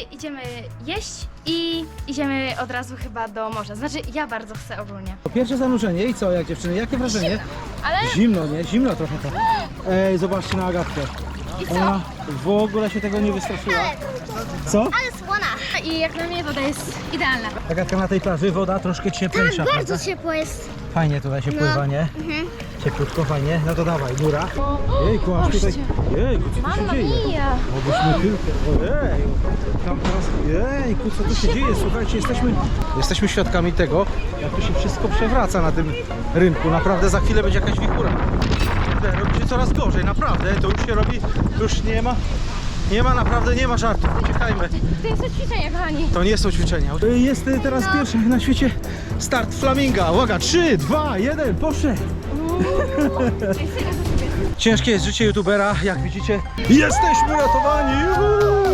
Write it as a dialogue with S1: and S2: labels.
S1: idziemy jeść i idziemy od razu chyba do morza. Znaczy, ja bardzo chcę ogólnie.
S2: Pierwsze zanurzenie i co, jak dziewczyny, jakie wrażenie?
S1: Ale
S2: Zimno, nie? Zimno trochę to. Ej, zobaczcie na Agatkę.
S1: i co?
S2: Ona w ogóle się tego nie wystraszyła. Co?
S3: Ale słona.
S1: I jak na mnie woda jest idealna.
S2: Agatka, na tej plaży woda troszkę cieplejsza,
S3: Tak, bardzo
S2: prawda?
S3: ciepło jest.
S2: Fajnie tutaj się pływa, nie? Cieplutko, fajnie. No to dawaj, góra. Jejku, aż tutaj... Jejku, co tu się dzieje?
S1: mia!
S2: Obyśmy tylko... Ojeju, tam teraz... Jejku, co tu się dzieje? Słuchajcie, jesteśmy świadkami tego, jak tu się wszystko przewraca na tym rynku. Naprawdę za chwilę będzie jakaś wichura. Robi się coraz gorzej, naprawdę. To już się robi... To już naprawdę nie ma żartów. Uciekajmy.
S1: To jest to ćwiczenie, kochani.
S2: To nie są ćwiczenia. Jest teraz pierwszy na świecie start flaminga. Uwaga, 3, 2, 1, poszedł! Ciężkie jest życie youtubera, jak widzicie. Jesteśmy uratowani!